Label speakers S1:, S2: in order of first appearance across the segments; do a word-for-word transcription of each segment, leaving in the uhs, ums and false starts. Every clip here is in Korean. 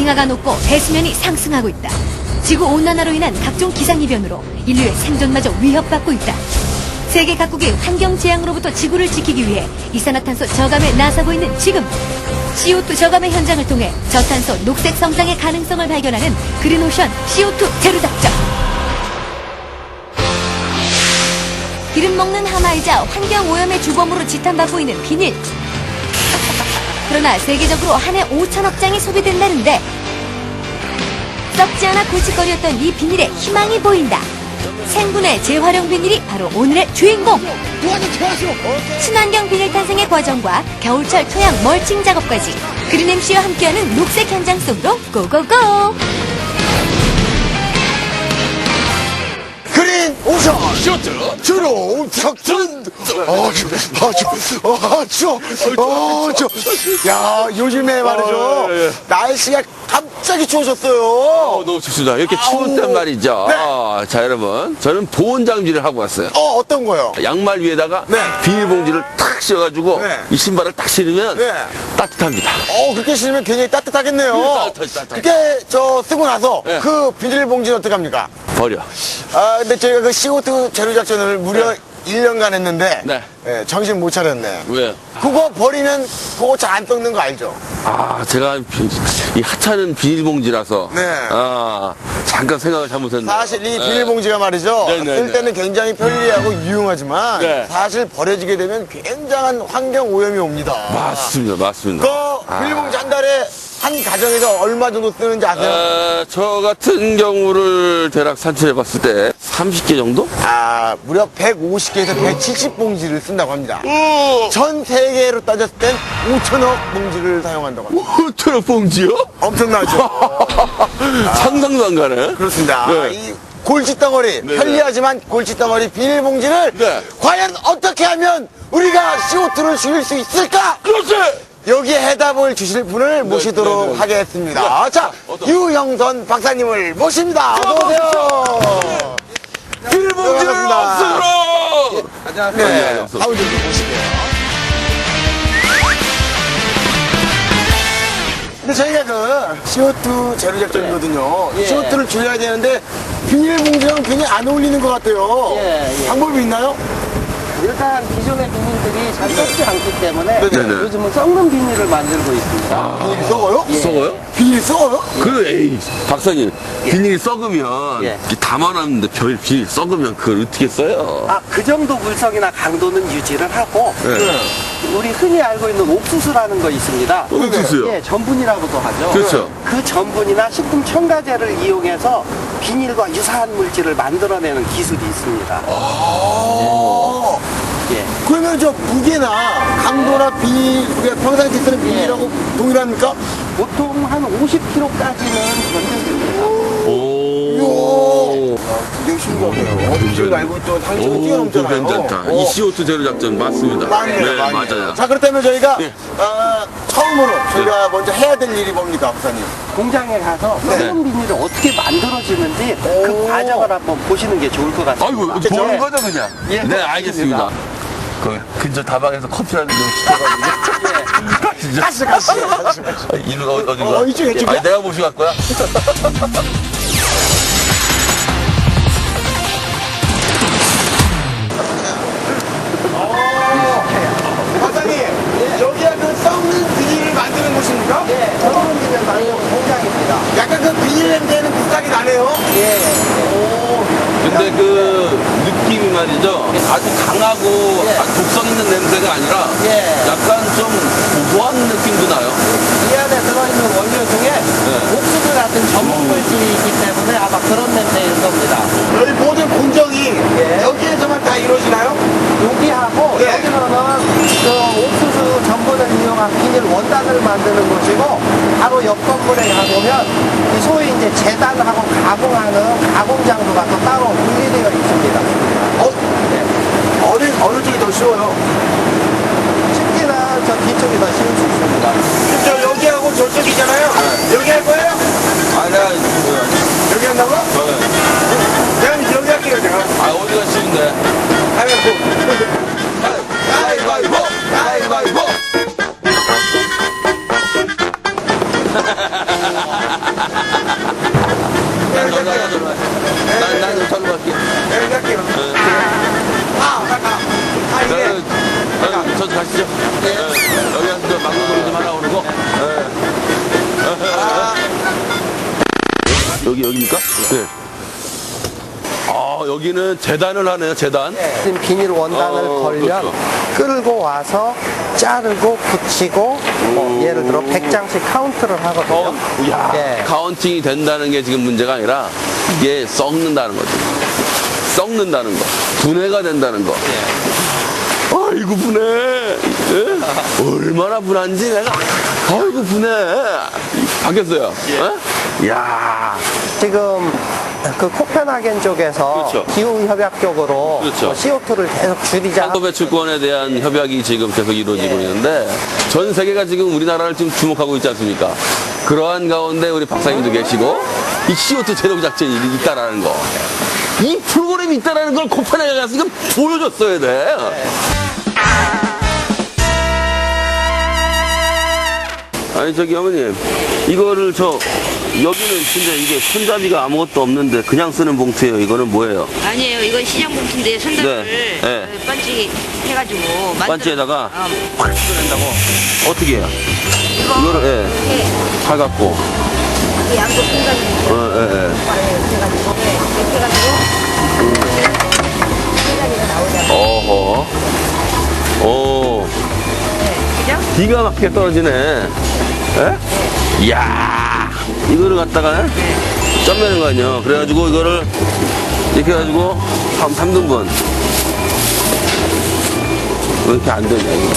S1: 빙하가 녹고 해수면이 상승하고 있다. 지구온난화로 인한 각종 기상이변으로 인류의 생존마저 위협받고 있다. 세계 각국이 환경재앙으로부터 지구를 지키기 위해 이산화탄소 저감에 나서고 있는 지금, 씨오투 저감의 현장을 통해 저탄소 녹색 성장의 가능성을 발견하는 그린오션 씨오투 제로 작전. 기름 먹는 하마이자 환경오염의 주범으로 지탄받고 있는 비닐. 그러나 세계적으로 한 해 오천억 장이 소비된다는데 썩지 않아 골칫거리였던 이 비닐에 희망이 보인다. 생분해 재활용 비닐이 바로 오늘의 주인공. 친환경 비닐 탄생의 과정과 겨울철 토양 멀칭 작업까지 그린엠씨와 함께하는 녹색 현장 속으로 고고고.
S2: 그린 오션
S3: 쇼트
S2: 주로 작전. 아, 저, 아, 저, 아, 저, 아, 저. 야, 요즘에 말이죠.
S3: 어, 예, 예.
S2: 날씨가 갑자기 추워졌어요.
S3: 어, 너무 좋습니다. 이렇게 추울 땐 말이죠.
S2: 네.
S3: 아, 자, 여러분. 저는 보온 장비를 하고 왔어요.
S2: 어, 어떤 거요?
S3: 양말 위에다가
S2: 네.
S3: 비닐봉지를 탁 씌워가지고
S2: 네.
S3: 이 신발을 딱 신으면
S2: 네.
S3: 따뜻합니다.
S2: 어, 그렇게 신으면 굉장히 따뜻하겠네요.
S3: 따뜻하지, 따뜻하지.
S2: 그렇게 저 쓰고 나서
S3: 네.
S2: 그 비닐봉지는 어떡합니까?
S3: 버려.
S2: 아, 근데 저희가 그 씨오투 제로 작전을 무려
S3: 네.
S2: 일 년간 했는데
S3: 네.
S2: 예, 정신 못 차렸네.
S3: 왜?
S2: 그거 버리면 그거 잘 안 썩는 거 알죠?
S3: 아, 제가 비- 이 하찮은 비닐봉지라서.
S2: 네.
S3: 아, 잠깐 생각을 잘못했네.
S2: 사실 이 비닐봉지가 말이죠.
S3: 네, 네,
S2: 쓸
S3: 네.
S2: 때는 굉장히 편리하고 유용하지만
S3: 네.
S2: 사실 버려지게 되면 굉장한 환경 오염이 옵니다.
S3: 맞습니다, 맞습니다.
S2: 그 비닐봉지 한 달에 한 가정에서 얼마 정도 쓰는지 아세요?
S3: 어, 저 같은 경우를 대략 산출해봤을 때 삼십 개 정도?
S2: 아, 무려 백오십 개에서 백칠십 봉지를 쓴다고 합니다.
S3: 오!
S2: 전 세계로 따졌을 땐 오천억 봉지를 사용한다고 합니다.
S3: 오천억 봉지요?
S2: 엄청나죠?
S3: 상상도 안 가네.
S2: 그렇습니다.
S3: 네.
S2: 이 골칫덩어리,
S3: 네,
S2: 편리하지만 골칫덩어리 비닐봉지를
S3: 네.
S2: 과연 어떻게 하면 우리가 씨오투를 줄일 수 있을까?
S3: 그렇지!
S2: 여기에 해답을 주실 분을 모시도록
S3: 네, 네.
S2: 하겠습니다.
S3: 네.
S2: 자,
S3: 어떤-
S2: 유형선 박사님을 모십니다. 어서오세요.
S3: 비닐봉지를
S2: 반갑습니다.
S3: 없애라!
S2: 네,
S3: 없어.
S2: 가운데 좀 보시고요. 근데 저희가 그 씨오투 제로 작전이거든요.
S4: 예.
S2: 씨오투를 줄여야 되는데 비닐봉지랑 굉장히 안 어울리는 것 같아요.
S4: 예, 예.
S2: 방법이 있나요?
S4: 일단 기존의 비닐들이 잘 썩지 않기 때문에
S3: 네네.
S4: 요즘은 썩는 비닐을 만들고 있습니다.
S2: 비닐이 썩어요?
S4: 예.
S3: 썩어요?
S2: 비닐이 썩어요?
S3: 그, 에이, 박사님. 비닐이 썩으면,
S4: 예.
S3: 이렇게 담아놨는데 별 비닐 썩으면 그걸 어떻게 써요?
S4: 아, 그 정도 물성이나 강도는 유지를 하고
S3: 네.
S4: 우리 흔히 알고 있는 옥수수라는 거 있습니다.
S3: 옥수수요?
S4: 예, 전분이라고도 하죠.
S3: 그렇죠.
S4: 그 전분이나 식품 첨가제를 이용해서 비닐과 유사한 물질을 만들어내는 기술이 있습니다.
S2: 어.
S4: 예.
S2: 그러면 저 무게나 강도나 비닐, 우리가 평상시에 쓰는 비닐하고 동일합니까?
S4: 보통 한 오십 킬로그램까지는 견뎌집니다.
S3: 오.
S2: 굉장히 신기하네요. 지금 알고 있던 상식을
S3: 오,
S2: 뛰어넘잖아요.
S3: 그거 괜찮다.
S2: 어.
S3: 이 씨오투 제로 작전 맞습니다.
S2: 맞네요,
S3: 네,
S2: 맞네요.
S3: 맞아요.
S2: 자, 그렇다면 저희가
S3: 네.
S2: 어, 처음으로 저희가 먼저 해야 될 일이 뭡니까, 박사님?
S4: 공장에 가서
S2: 네.
S4: 썩은 비닐이 어떻게 만들어지는지
S2: 오.
S4: 그 과정을 한번 보시는 게 좋을 것 같습니다.
S3: 아이고,
S2: 그죠?
S3: 좋은 거죠, 그냥?
S4: 예,
S3: 네, 알겠습니다. 그 근처 다방에서 커피 한 잔 시켜가지고. 가시죠.
S2: 가시, 가시, 가시.
S3: 아, 이리가 어- 어딘가?
S2: 어, 이쪽, 이쪽이야?
S3: 아니, 내가 모시고 갈 거야?
S2: 박사님, 여기가 그 썩는 비닐을 만드는 곳입니까?
S4: 예, 썩은 비닐 만드는 공장입니다.
S2: 약간 그 비닐 냄새는 비슷하게 나네요.
S4: 예.
S3: 근데 그 느낌이 말이죠. 아주 강하고
S4: 예.
S3: 아주 독성 있는 냄새가 아니라
S4: 예.
S3: 약간 좀 고소한 느낌도 나요.
S4: 이 안에 들어있는 원료 중에
S3: 네.
S4: 옥수수 같은 전분 물질이 있기 때문에 아마 그런 냄새일 겁니다.
S2: 여기 모든 공정이
S4: 예.
S2: 여기에서만 다 이루어지나요?
S4: 여기하고
S2: 예.
S4: 여기서는 그 옥수수 전분을 이용한 비닐 원단을 만드는 곳이고 바로 옆 건물에 가보면 이 소위 이제 재단하고 가공하는 가공장소가 또 따로 분리되어 있습니다.
S2: 어? 어느, 어느 쪽이 더 쉬워요?
S4: 쉽기는 저 뒤쪽이 더 쉬울 수 있습니다.
S2: 저 여기하고 저쪽이잖아요? 여기 할 거예요?
S3: 아, 내가,
S2: 여기 한다고? 내가 여기 할게요, 제가.
S3: 아, 어디가 쉬운데?
S2: 가위바위보! 가위바위보! 가위바위보!
S3: 저 막는 소리 좀 하라고 그러고. 예. 여기, 여기입니까? 네. 아, 여기는 재단을 하네요, 재단.
S4: 지금 비닐 원단을
S3: 어,
S4: 걸면
S3: 그렇죠.
S4: 끌고 와서 자르고 붙이고 뭐 예를 들어 백 장씩 카운트를 하거든요.
S3: 야,
S4: 예.
S3: 카운팅이 된다는 게 지금 문제가 아니라 이게 썩는다는 거죠. 썩는다는 거. 분해가 된다는 거. 아이고, 분해. 예? 얼마나 분한지 내가. 아이고, 분해. 바뀌었어요. 예? 이야.
S4: 지금 그 코펜하겐 쪽에서
S3: 그렇죠.
S4: 기후협약 쪽으로
S3: 그렇죠.
S4: 뭐 씨오투를 계속 줄이자.
S3: 탄소 배출권에 대한 협약이 지금 계속 이루어지고
S4: 예.
S3: 있는데 전 세계가 지금 우리나라를 지금 주목하고 있지 않습니까? 그러한 가운데 우리 박사님도 계시고 이 씨오투 제동 작전이 있다라는 거. 이 프로그램이 있다라는 걸 코펜하겐에 가서 지금 보여줬어야 돼. 아니 저기 어머님 이거를 저 여기는 진짜 이게 손잡이가 아무것도 없는데 그냥 쓰는 봉투예요. 이거는 뭐예요?
S5: 아니에요. 이건 시장 봉투인데 손잡이를
S3: 네, 네.
S5: 어, 반지 해가지고 만들어-
S3: 반지에다가
S5: 어,
S3: 확 찍어낸다고? 어떻게 해요?
S5: 이거
S3: 이거를 예,
S5: 이렇게
S3: 사갖고
S5: 이렇게 양쪽 공간이
S3: 어, 예, 예.
S5: 해가지고 이렇게 해가지고 손잡이가 나오잖아요.
S3: 어허. 오.
S5: 그죠?
S3: 기가 막히게 떨어지네. 예? 이야. 이거를 갖다가 쪄매는 거 아니에요. 그래가지고 이거를 이렇게 해가지고 한 삼 등분. 왜 이렇게 안 되냐, 이거.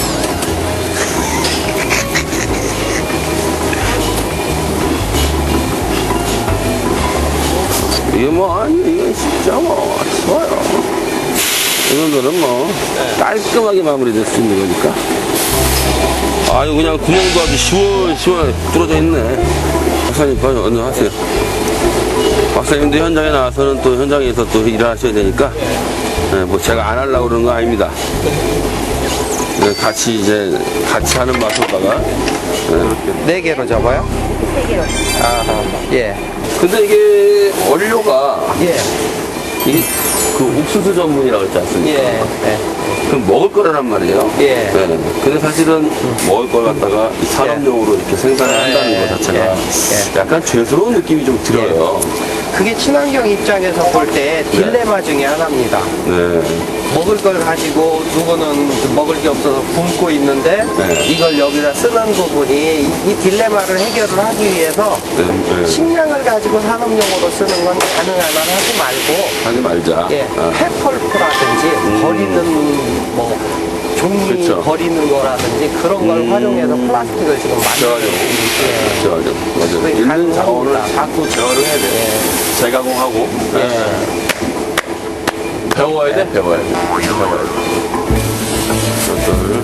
S3: 이게 뭐, 아니, 이건 진짜 뭐, 쉬워요. 이 정도는 뭐, 깔끔하게 마무리될 수 있는 거니까. 아유, 그냥 구멍도 아주 시원시원하게 뚫어져 있네. 박사님, 빨리 얼른 하세요. 박사님도 현장에 나와서는 또 현장에서 또 일을 하셔야 되니까, 네, 뭐 제가 안 하려고 그러는 거 아닙니다. 네, 같이 이제, 같이 하는 맛으로다가, 네.
S4: 네 개로 접어요?
S5: 세 개로.
S4: 아하. 예.
S3: 근데 이게 원료가,
S4: 예.
S3: 이게 그 옥수수 전분이라고 했지 않습니까?
S4: 예. 예.
S3: 그럼 먹을 거란 말이에요.
S4: 예.
S3: 네. 근데 사실은 먹을 걸 갖다가 이 산업용으로 이렇게 생산을 한다는
S4: 예.
S3: 것 자체가
S4: 예.
S3: 약간 죄스러운 느낌이 좀 들어요.
S4: 그게 친환경 입장에서 볼 때 딜레마 중에 하나입니다.
S3: 네.
S4: 먹을 걸 가지고 누구는 먹을 게 없어서 굶고 있는데
S3: 네.
S4: 이걸 여기다 쓰는 부분이 이, 이 딜레마를 해결을 하기 위해서
S3: 네. 네.
S4: 식량을 가지고 산업용으로 쓰는 건 가능한 한 하지 말고
S3: 하지 말자.
S4: 예,
S3: 아.
S4: 폐펄프라든지 버리는 뭐 종이
S3: 그쵸.
S4: 버리는 거라든지 그런 걸
S3: 음.
S4: 활용해서 플라스틱을 지금 만들고
S3: 재활용.
S4: 예.
S3: 재활용. 맞아요.
S4: 그게
S3: 있는
S4: 가능합니다.
S3: 자원을 자꾸 재활용해야 돼.
S4: 예.
S3: 재가공하고.
S4: 예.
S3: 네. 배워야 돼? 배워야 돼. 배워야 돼. 여덟,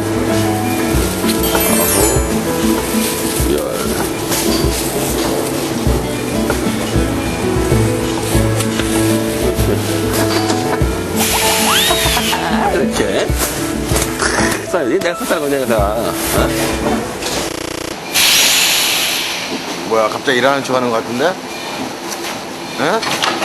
S3: 아홉, 열. 이렇게. 써야지. 내가 썼다는 거냐, 내가. 어?
S2: 뭐야, 갑자기 일하는 척 하는 것 같은데? 예?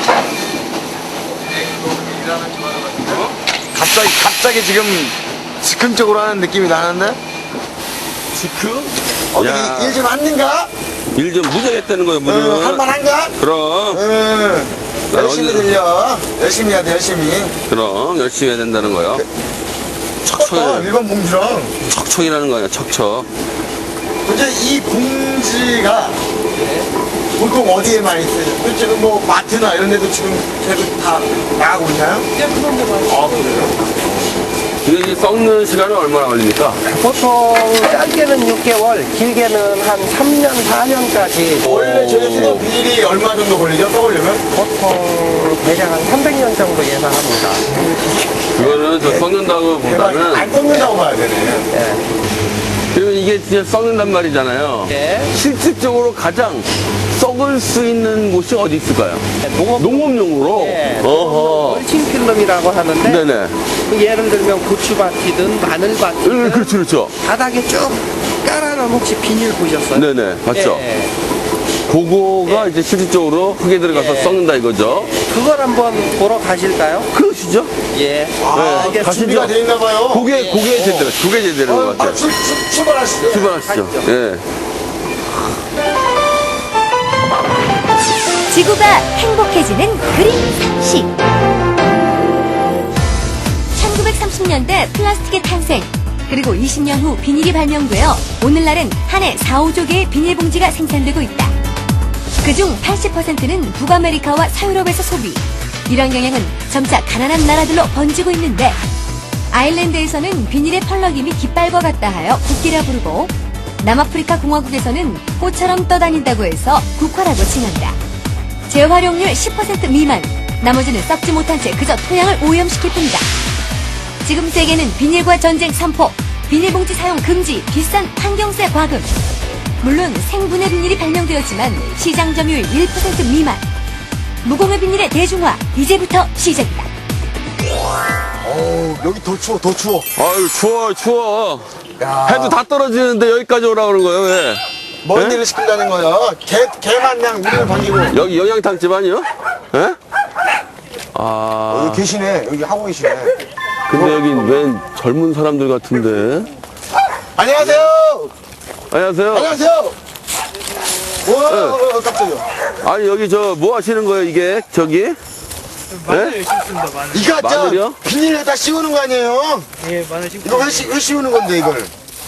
S2: 갑자기, 갑자기 지금 즉흥적으로 하는 느낌이 나는데?
S3: 지금?
S2: 어디
S3: 야.
S2: 일 좀 왔는가?
S3: 일 좀 무지하게 했다는 거예요, 무슨.
S2: 어, 할만한가?
S3: 그럼,
S2: 응.
S3: 나
S2: 열심히
S3: 어디-
S2: 들려. 열심히 해야 돼, 열심히.
S3: 그럼, 열심히 해야 된다는 거예요.
S2: 어,
S3: 척척,
S2: 일반 봉지랑.
S3: 척척이라는 거야, 척척.
S2: 이제 이 봉지가 보통 어디에 많이 쓰죠? 지금 뭐 마트나 이런 데도 지금 계속 다 나가고 있나요? 아, 그래요?
S3: 근데 이제 썩는 시간은 얼마나 걸립니까?
S4: 보통 짧게는 육 개월, 길게는 한 삼 년, 사 년까지
S2: 원래 저희 쓰던 비닐이 얼마 정도 걸리죠? 써보려면?
S4: 보통 대략 한 삼백 년 정도 예상합니다.
S3: 그거는 저 썩는다고
S2: 대박.
S3: 보다는,
S2: 안 썩는다고 봐야 되네.
S4: 예.
S3: 그러면 이게 진짜 썩는단 말이잖아요.
S4: 예.
S3: 실질적으로 가장 썩을 수 있는 곳이 어디 있을까요?
S4: 농업,
S3: 농업용으로?
S4: 예.
S3: 어허.
S4: 멀칭 필름이라고 하는데
S3: 네네.
S4: 그 예를 들면 고추밭이든 마늘밭이든
S3: 음, 그렇죠, 그렇죠.
S4: 바닥에 쭉 깔아놓은 혹시 비닐 보셨어요?
S3: 네네. 맞죠?
S4: 예.
S3: 그거가
S4: 예.
S3: 이제 실질적으로 흙에 들어가서
S4: 예.
S3: 썩는다 이거죠.
S4: 그걸 한번 보러 가실까요?
S3: 그러시죠?
S4: 예.
S2: 아,
S3: 네, 가시죠.
S2: 준비가 돼 있나 봐요.
S3: 고개, 고개 제대로, 고개 제대로
S2: 어,
S3: 것 같아요.
S2: 아, 출, 출, 출발하시죠.
S3: 출발하시죠. 예.
S1: 지구가 행복해지는 그린 상식. 천구백삼십 년대 플라스틱의 탄생, 그리고 이십 년 후 비닐이 발명되어 오늘날은 한 해 사오조 개의 비닐봉지가 생산되고 있다. 그중 팔십 퍼센트는 북아메리카와 서유럽에서 소비. 이런 경향은 점차 가난한 나라들로 번지고 있는데, 아일랜드에서는 비닐의 펄럭임이 깃발과 같다 하여 국기라 부르고, 남아프리카 공화국에서는 꽃처럼 떠다닌다고 해서 국화라고 칭한다. 재활용률 십 퍼센트 미만, 나머지는 썩지 못한 채 그저 토양을 오염시킬 뿐이다. 지금 세계는 비닐과 전쟁 삼포, 비닐봉지 사용 금지, 비싼 환경세 과금. 물론 생분해 비닐이 발명되었지만 시장 점유율 일 퍼센트 미만. 무공해 비닐의 대중화, 이제부터 시작이다.
S2: 어우, 여기 더 추워, 더 추워.
S3: 아유, 추워, 추워.
S2: 야.
S3: 해도 다 떨어지는데 여기까지 오라 그러는 거예요, 왜?
S2: 먼
S3: 네?
S2: 일을 시킨다는 거예요. 개, 개만냥 물을 반기고.
S3: 여기 영양탕집 아니요? 예? 아,
S2: 여기 계시네. 여기 하고 계시네.
S3: 근데 여기 웬 젊은 사람들 같은데?
S2: 안녕하세요.
S3: 안녕하세요.
S2: 안녕하세요. 우와,
S3: 네.
S2: 어, 깜짝이야.
S3: 아니, 여기 저 뭐 하시는 거예요, 이게? 저기? 예?
S2: 이거
S3: 마늘이요?
S2: 저 비닐에다 씌우는 거 아니에요?
S6: 예, 마늘 심고.
S2: 이거 왜, 씌, 왜 씌우는 건데, 이걸?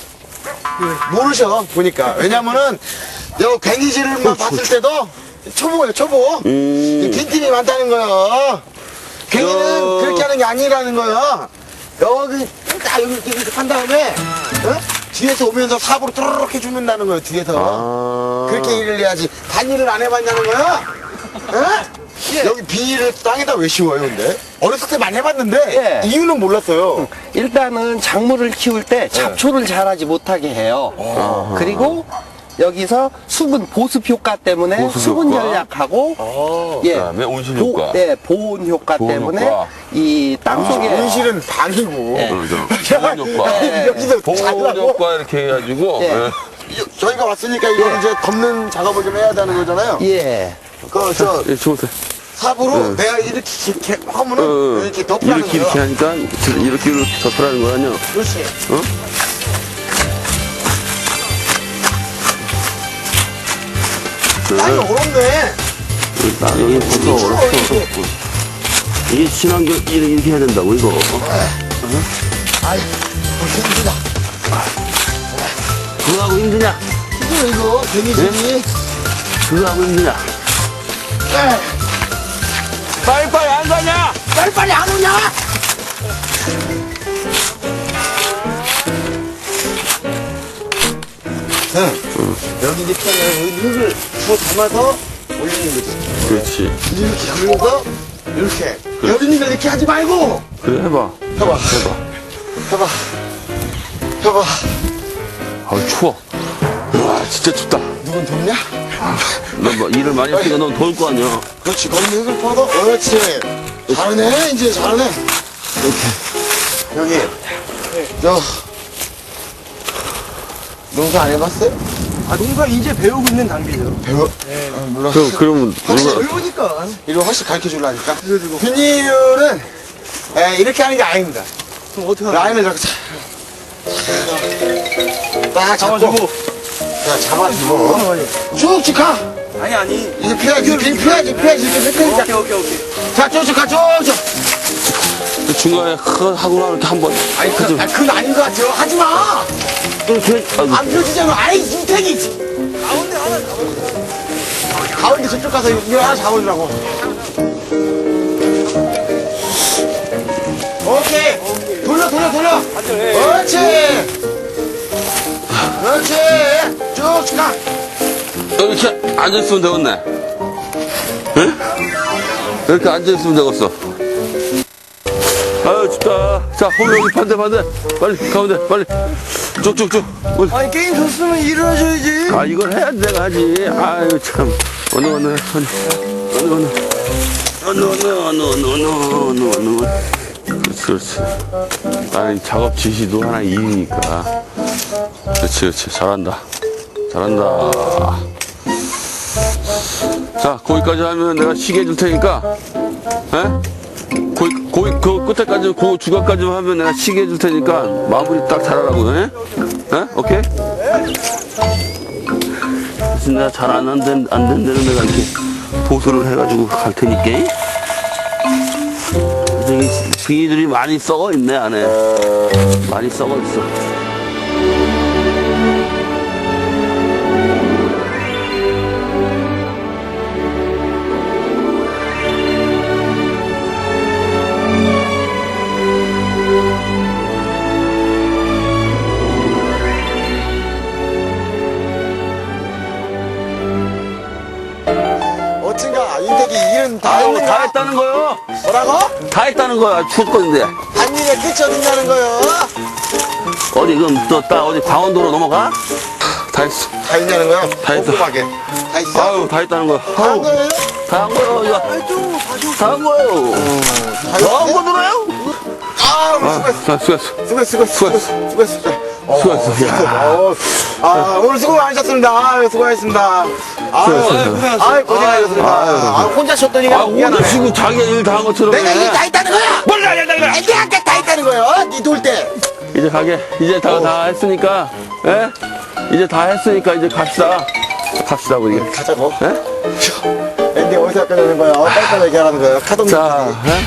S2: 모르셔, 보니까. 왜냐면은, 여 괭이질만 봤을 때도 초보예요, 초보.
S3: 음.
S2: 빈틈이 많다는 거예요. 괭이는
S3: 여-
S2: 그렇게 하는 게 아니라는 거예요. 여기 딱 여기 이렇게, 이렇게 한 다음에 어? 뒤에서 오면서 삽으로 또르륵 해주는다는 거예요, 뒤에서.
S3: 아.
S2: 그렇게 일을 해야지. 단일을 안 해봤냐는 거야? 어? 여기 비닐을 땅에다 왜 씌워요, 근데? 어렸을 때 많이 해봤는데
S4: 예.
S2: 이유는 몰랐어요.
S4: 일단은 작물을 키울 때 잡초를 자라지 못하게 해요. 그리고 여기서 수분 보습 효과 때문에
S3: 보습
S4: 수분
S3: 효과.
S4: 전략하고 예,
S3: 그다음에 온실
S4: 보-
S3: 효과.
S4: 네, 보온 효과
S3: 보온
S4: 때문에
S3: 효과.
S4: 이 땅속에
S2: 온실은 반이고.
S4: 예.
S3: 그죠. 보온 효과.
S2: 야, 여기서
S3: 보온
S2: 자라고.
S3: 효과 이렇게 해가지고.
S4: 예.
S3: 예.
S2: 이- 저희가 왔으니까 이거 이제 덮는 작업을 좀 해야 되는 거잖아요.
S4: 예.
S2: 그, 저,
S3: 예, 좋으세요.
S2: 삽으로 내가 이렇게, 이렇게 하면은
S3: 어,
S2: 이렇게 덮으라는
S3: 이렇게
S2: 거예요.
S3: 이렇게 하니까 이렇게 이렇게 덮으라는 거 아니야?
S2: 그렇지.
S3: 어?
S2: 땅이 어렵네.
S3: 나 여기 벌써 어렵어. 이게 친환경 이렇게 이렇게 해야 된다고 이거.
S2: 아이, 벌써 힘들다.
S3: 그거 하고 힘드냐?
S2: 이거, 이거, 괭이질이.
S3: 그거 하고 힘드냐? 빨리빨리 안 가냐?
S2: 빨리빨리 안 오냐? 응. 여기 이제 흙을 주워 담아서 올리는 거지.
S3: 그렇지.
S2: 이렇게 올려서 이렇게. 여기니까 이렇게 하지 말고.
S3: 그래 해봐.
S2: 해봐.
S3: 해봐.
S2: 해봐. 해봐.
S3: 아우 추워. 와 진짜 춥다.
S2: 누군 덥냐?
S3: 너 뭐 일을 많이 했으니까 넌 더울 거 아니야.
S2: 그렇지. 거기 흙을 퍼서. 그렇지. 잘하네. 이제 잘하네. 이렇게. 여기. 저. 농사 안 해봤어요?
S6: 아, 농사 이제 배우고 있는 단계죠.
S2: 배워? 네. 아, 몰라.
S3: 그 그러면
S2: 확실히
S3: 누가
S6: 배우니까.
S2: 이거 훨씬 가르쳐 주려니까. 비닐은 에, 이렇게 하는 게 아닙니다.
S6: 그럼 어떻게 하나?
S2: 라인을 이렇게 자- 딱 잡고.
S6: 잡아주고.
S2: 자, 잡아주고. 쭉쭉 가.
S6: 아니, 아니.
S2: 이제 피하지, 이렇게 피하지, 피하지, 이렇게 피하지.
S6: 오케이, 오케이, 오케이.
S2: 자, 쭉쭉 가, 쭉쭉.
S3: 그 중간에 크 하고 나면 이렇게 한번
S2: 아니, 그, 아니, 그건 아닌 것 같아요. 하지 마.
S3: 이렇게 아이고,
S2: 안 펴지잖아. 아이, 인택이.
S6: 가운데 하나 잡아.
S2: 가운데 저쪽 가서 이거 하나 잡아주라고. 오케이. 돌려, 돌려, 돌려.
S6: 안돼.
S2: 그렇지. 그렇지. 쭉쭉 가.
S3: 이렇게 앉아 있으면 되겠네. 응? 이렇게 앉아 있으면 되겠어. 아유 춥다. 자 홈 여기 반대 반대. 빨리 가운데 빨리. 쭉쭉쭉. 빨리.
S6: 아니, 게임 졌으면 일을 하셔야지.
S3: 아 이걸 해야 내가 하지. 아유 참. 어느 어느 어느 어느 어느 어느 어느 어느 어느 어느 어느 어느 그렇지 그렇지. 나는 작업 지시도 하나 일이니까. 그렇지 그렇지 잘한다. 잘한다. 자 거기까지 하면 내가 쉬게 해줄 테니까. 에? 거기, 거기, 그 끝에까지, 그 주각까지 하면 내가 시계 해줄 테니까 마무리 딱 잘하라고, 해? 에? 오케이? 그래서 내가 잘 안 된, 안 된 데는 내가 이렇게 보수를 해가지고 갈 테니까. 저기 비닐들이 많이 썩어 있네, 안에. 많이 썩어 있어.
S2: 어쩐가 인택이 일은 다
S3: 아유, 다
S2: 했는가?
S3: 했다는 거요.
S2: 뭐라고?
S3: 다 했다는 거야. 죽었는데.
S2: 한 일에 끝이 어딨냐는 거요?
S3: 어디, 그럼 또, 딱 어디 강원도로 넘어가? 다 했어.
S2: 다 했냐는 거요?
S3: 다 했어.
S2: 꼼꼼하게. 다 했어?
S3: 아유, 다 했다는 거야.
S2: 다 한 거예요?
S3: 다 한 거요, 이거. 다 한 거요.
S2: 다
S3: 더 한 거
S2: 했어요?
S3: 들어요?
S2: 아, 우리 수고했어.
S3: 자, 수고했어.
S2: 수고했어, 수고했어, 수고했어, 수고했어. 어,
S3: 수고했어. 야.
S2: 어, 아, 오늘 수고 많으셨습니다. 아, 수고하셨습니다.
S3: 수고했어.
S2: 아, 고생하셨습니다. 아, 혼자 쉬었더니
S3: 아, 오늘 지금 자기가 일 다 한 것처럼.
S2: 내가
S3: 해.
S2: 일 다 했다는 거야!
S3: 몰라, 야, 야, 야.
S2: 내가 다 했다는 거야! 니 돌 때!
S3: 이제 가게. 이제 다, 다 했으니까, 예? 이제 다 했으니까 이제 갑시다. 갑시다, 우리.
S2: 가자고.
S3: 예?
S2: 앤디 어디서 아까자는 거야? 어, 빨리빨리 얘기하라는 거야. 카동
S3: 자, 예?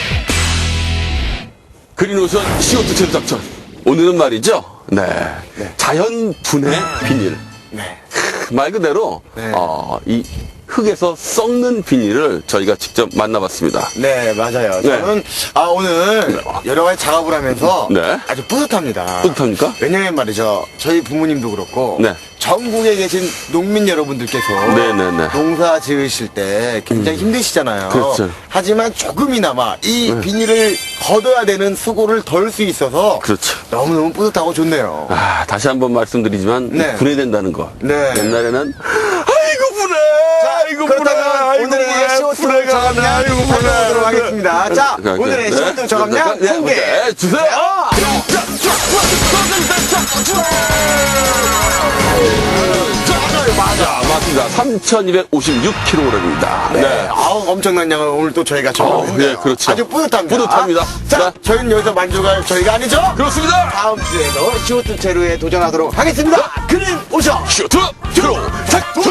S3: 그린오션 씨오투 제로 작전. 오늘은 말이죠. 네. 자연 분해 비닐.
S2: 네.
S3: 말 그대로,
S2: 네.
S3: 어, 이 흙에서 썩는 비닐을 저희가 직접 만나봤습니다.
S2: 네, 맞아요.
S3: 네.
S2: 저는, 아, 오늘 여러 가지 작업을 하면서
S3: 네.
S2: 아주 뿌듯합니다.
S3: 뿌듯합니까?
S2: 왜냐면 말이죠. 저희 부모님도 그렇고,
S3: 네.
S2: 전국에 계신 농민 여러분들께서
S3: 네네네.
S2: 농사 지으실 때 굉장히 힘드시잖아요.
S3: 그렇죠.
S2: 하지만 조금이나마 이 비닐을 걷어야 되는 수고를 덜 수 있어서
S3: 그렇죠.
S2: 너무너무 뿌듯하고 좋네요.
S3: 아, 다시 한번 말씀드리지만,
S2: 네.
S3: 분해된다는 거.
S2: 네.
S3: 옛날에는, 아이고, 분해! 아이고, 분해!
S2: 그렇다면
S3: 아이고,
S2: 오늘의 쇼트
S3: 분해가
S2: 저감량
S3: 나, 아이고, 분해!
S2: 살펴보도록 하겠습니다. 자,
S3: 네,
S2: 오늘의
S3: 네.
S2: 쇼트 저감량
S3: 네,
S2: 공개!
S3: 네, 주세요! 맞아, 맞습니다. 삼천이백오십육 킬로그램입니다.
S2: 네. 아우, 엄청난 양을 오늘 또 저희가 정했네요.
S3: 네, 그렇죠.
S2: 아주 뿌듯합니다.
S3: 뿌듯합니다.
S2: 자,
S3: 자.
S2: 저희는 여기서 만족할 저희가 아니죠?
S3: 그렇습니다!
S2: 다음 주에도 쇼트 제로에 도전하도록 하겠습니다. 그린 오션!
S3: 쇼트! 제로! 작전!